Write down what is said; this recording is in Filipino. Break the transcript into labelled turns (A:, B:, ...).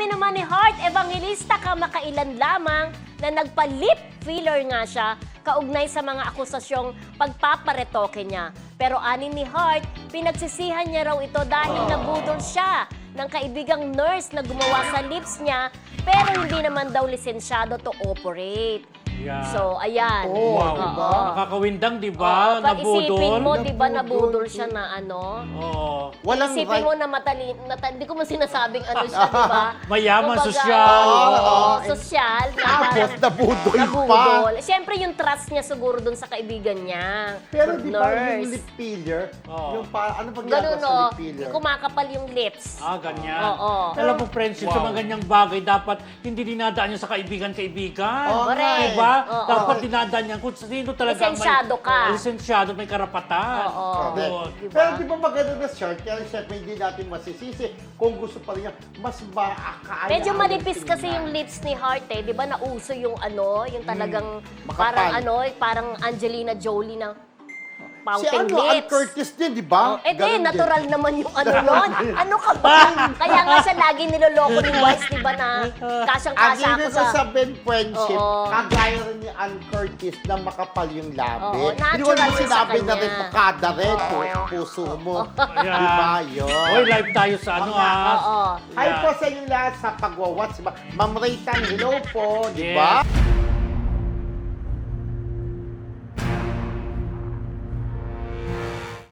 A: Sabi naman ni Heart Evangelista kamakailan lamang na nagpa-lip filler nga siya kaugnay sa mga akusasyong pagpaparetoke niya. Pero anin ni Heart, pinagsisihan niya raw ito dahil nabudol siya ng kaibigang nurse na gumawa sa lips niya pero hindi naman daw lisensyado to operate.
B: Yeah.
A: So, ayan.
C: Oh,
B: Wow.
C: diba?
B: Nakakawindang, di ba?
A: Pag isipin
B: Nabudol.
A: mo, di ba,
C: Nabudol.
A: nabudol siya na ano?
B: Oo.
C: Walang
A: Isipin
C: right.
A: mo na hindi ko man sinasabing ano siya, di ba?
B: Mayaman,
A: Kumbaga,
B: sosyal.
A: Oo, sosyal. Na
C: Tapos,
A: parang
C: nabudol pa.
A: nabudol. Siyempre, yung trust niya siguro dun sa kaibigan niya.
C: Pero di ba
A: nurse.
C: yung lip filler,
B: Oo.
C: yung ano pag
A: Ganun,
C: sa
A: no?
C: lip filler?
A: Kumakapal yung lips.
B: Ganyan.
A: Oo.
B: Alam mo, friendship, sa mga ganyang bagay, dapat hindi dinadaan niya sa kaibigan-kaibigan.
C: Oo,
A: correct.
B: Diba?
A: Oo.
B: Dapat dinadaan niya kung sino talaga
A: Lisensyado ka.
B: Lisensyado, may karapatan.
A: Oo.
C: Correct.
A: Diba?
C: Pero di ba maganda na shirt? Kaya syempre hindi natin masisisi. Kung gusto pa rin niya, mas makakaaya.
A: Medyo manipis kasi yung lips ni Heart eh. Di ba nauso yung ano, yung talagang
C: Makapal.
A: parang Angelina Jolie na
C: Si
A: pouting
C: Ann
A: lips.
C: Curtis din, di ba?
A: Eh di,
C: Ganun din.
A: natural naman yung ano nun. Ano ka ba? Kaya nga siya lagi niloloko ni Wise, di ba na
C: Ang
A: kasyang-kasya ako
C: ibig
A: sa...
C: sabihin, friendship,
A: Oo.
C: kagaya rin ni Ann Curtis na makapal yung labi.
A: Oo,
C: Hindi ko
A: natural
C: naman
A: yun sa
C: sinabi na
A: kanya.
C: rin makada rin, puso mo.
B: Yeah.
C: Di ba yun?
B: Hoy, live tayo sa ano
A: Oo.
C: Hi po sa inyo lahat sa pagwawatch. Ma'am Raytan, hello po, di
B: Yes.
C: ba?